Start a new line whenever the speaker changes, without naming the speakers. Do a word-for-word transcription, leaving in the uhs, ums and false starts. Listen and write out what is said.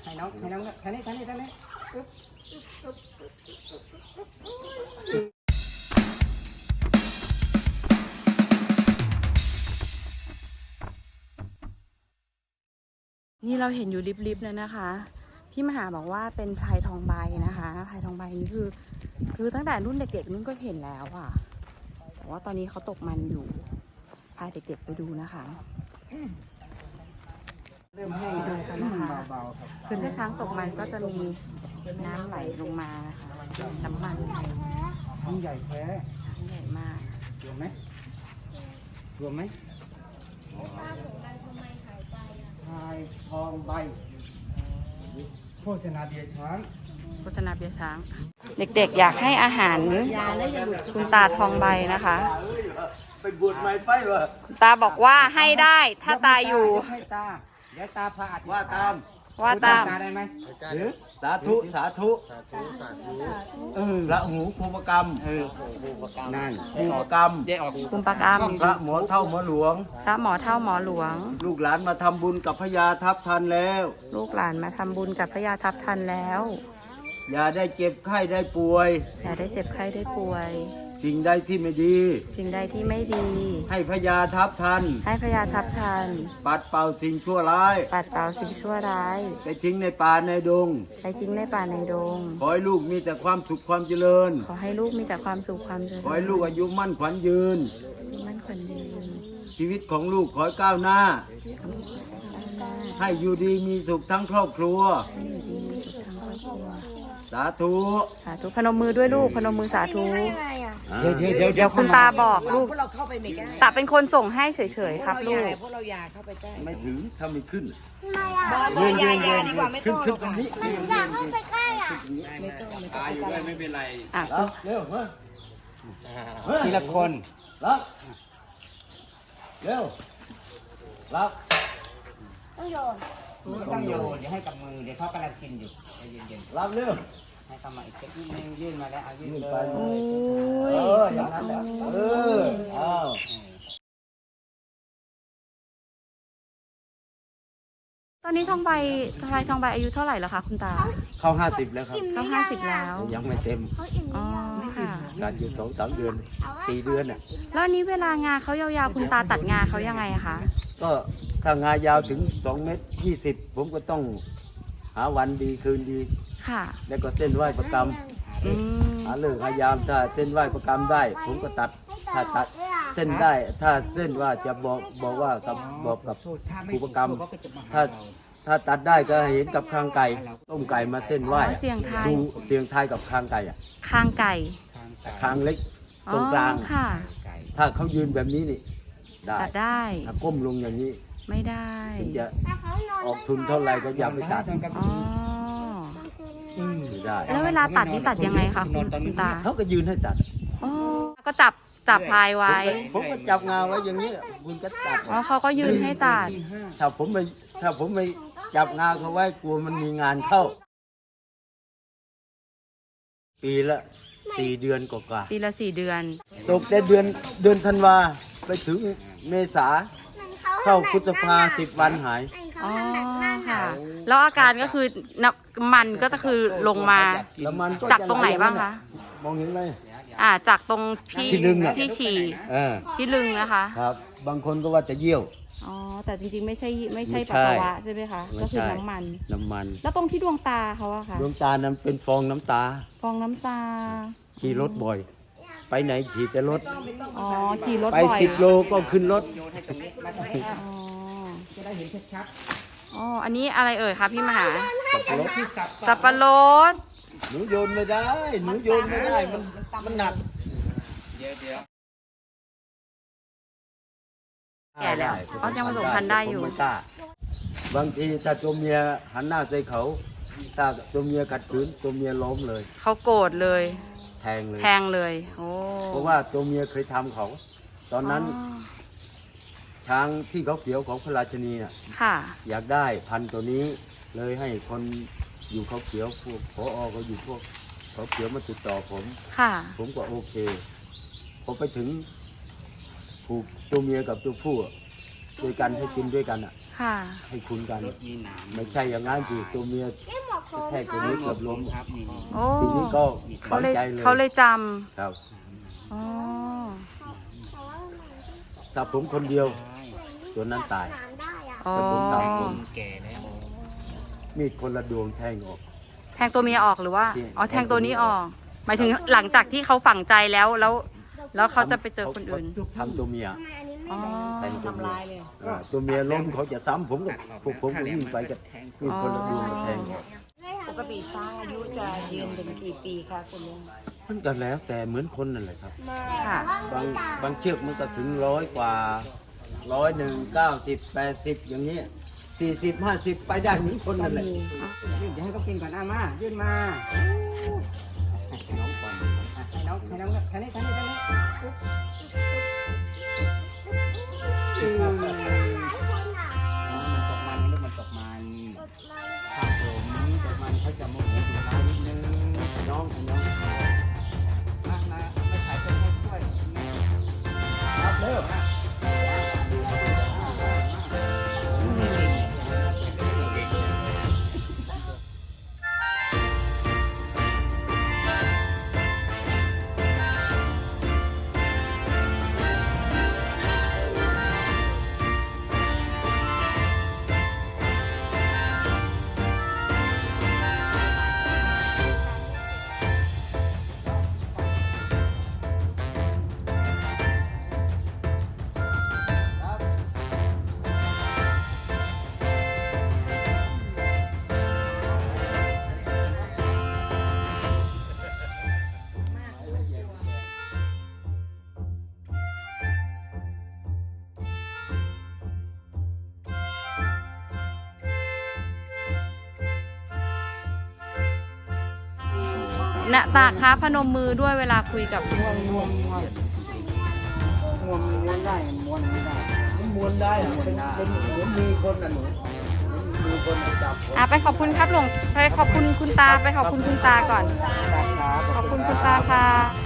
ให้น้องให้น้องท่านี้ท่านี้ท่านี้
นี่เราเห็นอยู่ริบๆเลยนะคะพี่มหาบอกว่าเป็นพลายทองใบนะคะพลายทองใบนี่คือคือตั้งแต่รุ่นเด็กๆนุ่นก็เห็นแล้วอ่ะแต่ว่าตอนนี้เขาตกมันอยู่พาเด็กๆไปดูนะคะเริ่มให้ดูกันนะคะคือถ้าช้างตกมันก็จะมีน้ำไหลลงมานะคะน้ำมัน
ช้างใหญ่แท้
ช้างใหญ่มาก
รวมไหมรวมไหมพายทองใบโฆษณาเบียร์ช้าง
โฆษณาเบียร์ช้าง เด็กๆอยากให้อาหารคุณตาทองใบนะคะ
ไปบวชใหม่ไปวะ
คุณตาบอกว่าให้ได้ถ้าตาอยู่
ให้ตาเดี๋ยวตาพาอัด
ว่าตาม
ว่าตาม
ตาได้ไหมหรือ
สาธุสาธุ
เออ
พระหูภูปกรรม
เออนั่น
ภูปกรรม
ได้ออก
คุณปากาม
พระหมอเท่าหมอหลวง
พระหมอเท่าหมอหลวง
ลูกหลานมาทำบุญกับพญาทัพทันแล้ว
ลูกหลานมาทำบุญกับพระยาทัพทันแล้ว
อย่าได้เจ็บไข้ได้ป่วย
อย่าได้เจ็บไข้ได้ป่วย
สิ่งใดที่ไม่ดี
สิ่งใดที่ไม่ดี
ให้พญาทัพทัน
ให้พระยาทัพทัน
ปัดเป่าสิ่งชั่วร้าย
ปัดเป่าสิ่งชั่วร้าย
ไปทิ้งในป่าในดง
ไปทิ้งในป่าในดง
ขอให้ลูกมีแต่ความสุขความเจริญ
ขอให้ลูกมีแต่ความสุขความเจริญ
ขอให้ลูกอายุมั่นขวัญยืน
มั่นขวัญยืน
ชีวิตของลูกขอให้ก้าวหน้า ให้อยู่ดีมีสุขทั้งครอบครัว
ให้อยู่ดีมีสุขทั้งครอบครัว
สาธุ
สาธุพนมมือด้วยลูกพนมมือสาธุ
เดี๋ยวเดี๋ยวเดี๋ยว
เดี๋ยวคุณตาบอกลูก
พวกเราเข้าไปไม่ได้
ตาเป็นคนส่งให้เฉยๆครับ
พว
ลู
ก
ก
พวกเราอย่าเข้าไปใกล้
ไม่ถึงถ้าไม่ขึ้น
บอลบอลยายาดีกว่าไม่ต้องหรอกค่ะ
อยากเข้าไปใกล้อ่ะ
ไม่ต้องไม่ต้อง
ตายอยู่ด้วยไม่เป็นไร
อ่ะ
รับเร็วมา
ทีละคน
รับเร็วรับ
ต้องโยน
ต้องโยนเดี๋ยวให้กับมือเดี๋ยวเขากำลังกินอยู่ใจเย็น
รับเร็ว
ๆให้เข้ามาอีกสักนิดนึงยื่นมาแล้วเอายื่น
ยื่น
เล
ไป
ย
โอ้
เอย ออย่างนั้นแหละเอออ้าว
ตอนนี้ทองใบพลายทองใบอายุเท่าไหร่แล้วคะคุณตา
เข้าห้าสิบแล้วครับ
เขาห้าสิบแล้ว
ยังไม่เต็ม
เขาอิ่มห
อ๋อ
รือยัง
ค่ะ
การอยู่สองสามเดือนสี่เดือนอ่ะ
แล้วอันนี้เวลางาเขายาวๆคุณตาตัดงาเขายังไงอะคะ
ก็ถ้างายาวถึงสองเมตรยี่สิบผมก็ต้องหาวันดีคืนดี
ค่ะ
แล้วก็เส้นไหว้ประกรรม
อืม
หาเลิกหายามถ้าเส้นไหว้ประกรรมได้ ผมก็ตัดถ้าตัดเส้นได้ ถ้าเส้นว่าจะบอกบอกว่ากับบอกกับผู้ประกรรม ถ้าถ้าตัดได้ก็เห็นกับคางไก่ต้มไก่มาเส้นไหว้
อ๋อเสียงไทย
ดูเสียงไทายกับคางไก่อะ
คางไก่
คางเล็ก
อ๋
ต
อ
รงกลาง
ค่ะ
ถ้าเขายืนแบบนี้นี่ได้
ตัดได้
ถ้าก้มลงอย่างนี้
ไม่ได้
ถึงจะ
แต่เขานอน
ออกทุนเท่าไหร่ก็อย่าไปตัด
อ๋อ
ไม่ได้
แล้วเวลาตัดนี่ตัดยังไงคะคุณคุณตา
เขาก็ยืนให้ตัด
อ๋อก็จับจับพลายไว้
ผมก็จับงาไว้อย่างนี้คุณก็ตัด
อ๋อเขาก็ยืนให้ตัด
ถ้าผมไปถ้าผมไปจับงาเขาไว้กลัวมันมีงานเข้า ปีละสี่เดือนกว่า
ปีละสี่เดือน
ๆตกแต่เดือนเดือนธันวาไปถึงเมษาเข้าพฤษภาสิบวันหาย
อ๋อค่ะ แล้วอาการก็คือน้ำมันก็จะคือลงมา
แล้วมัน
จากตรงไหนบ้างคะ
มองเห็นไหม
อ่าจากตรงที่
ที่ลึงอะ
ที่ฉี่
เออ
ที่ลึงนะคะ
ครับ บางคนก็ว่าจะเยี่ยว
อ๋อแต่จริงๆไม่ใช่ไม่ใช่
ไม่
ปัส
ใช่
สาวะใช่ไหมคะ
ไม่
ก็คือ
ใช่
น้ำมัน
น้ำมัน
แล้วตรงที่ดวงตาเขาอะค่ะ
ดวงตานั้นเป็นฟองน้ำตา
ฟองน้ำตา
ขี่รถบ่อย ไปไหนขี่แต่รถ
อ๋อขี่รถ
ไป
บ่อย
สิบโลก็ขึ้นรถ
อ๋อ
จะได้เห็นชัด
อ๋ออันนี้อะไรเอ่ยคะพี่มหา
รถ
ๆที่สับ
สับปะรด
หนูโยนไม่ได้ หนูโยนไม่ได้ มันมันหนัก
เดี๋ยวเดี๋ยว
แก่แล้วเขายังผสมพันธุ์ได้อยู่
ผมม่กล้าบางทีถ้าตัวเมียหันหน้าใส่เขา ถ้าตัวเมียขัดขืนตัวเมียล้มเลย
เขาโกรธเลย
แทงเลย
แทงเลยโอ้
เพราะว่าตัวเมียเคยทำเขา ตอนนั้น
อ๋อ
ช้างที่เขาเขียวของพระราชนีน่ะ
ค่ะ
อยากได้พันธุ์ตัวนี้เลยให้คนอยู่เขาเขียวพวกพอเขาอยู่พวกเขาเขียวมาติดต่อผม
ค่ะ
ผมก็โอเคพอไปถึงผูกตัวเมียกับตัวผู้อะด้วยกันให้กินด้วยกันอ่ะ
ค่ะ
ให้คุ้นกันไม่ใช่อย่างนั้นสิตัวเมีย
นี่หมวกโฟม
แค่ตัวนี้เกือบล้ม
โอ้
ทีนี้ก็
เขา
ฝัง
เลย
ใจเลย
เขาเลยจ
ครับ
ำอ๋อ
แต่ว่ามัน
ถ้าผมคนเดียว ตัวนั้นตาย
น้ำได้อ่ะ
อ๋อ
ถ้าผมสามคนมีดคนละดวงแทงออก
แทงตัวเมียออกหรือว่า
ใช่
อ๋อ แทงตัวนี้ออก หมายถึงหลังจากที่เขาฝังใจแล้ว แล้ว แล้วเขาจะไปเจอคนอื่น
ทำตัวเมีย
ทำไมอันนี้ไม่
อ๋อ
แทงตัวเมี
ทำลายเลย
อ่าตัวเมียล้มเขาจะซ้ำผมก็พวกผมก็วิ่งไปกับมีดคนละดวงมาแทงออก
ปกติช้างอายุจะยืนถึงกี่ปีคะคุณลุง
มันก็แล้วแต่เหมือนคนนั่นแหละครับ
ค่ะ
บางบางเชือกมันก็ถึงร้อยกว่าร้อยหนึ่งเก้าสิบแปดสิบอย่างนี้สี่สิบห้าสิบไปได้เหมือนคนนั่นแหละ
ยื่นจะให้เขากินก่อนอ่ะมายื่นมาให้น้องก่อนอ่ะให้น้องให้น้องแค่นี้แค่นี้แค่นี้อืม
คนอ่ะ
อ๋อมันตกมันลูกมันตกมันครับผมตกมันเขาจะโมโหดุร้ายนิดนึงน้องน้องมามาไม่ขายต้นให้ช่วยรับเร็ว
ณตาค้าพนมมือด้วยเวลาคุยกับ
ม้วนม้วนม้วนม้วนม้วนได้ม้วนไม่ได้
มันม้วนได้อะเป็นเป็นเหมือนมีคนน่ะหนูมีคนน่ะจับคน
อ่ะไปขอบคุณครับหลวงไปขอบคุณคุณตาไปขอบคุณคุณตาก่อน
ครับ
ขอบคุณคุณตาค่ะ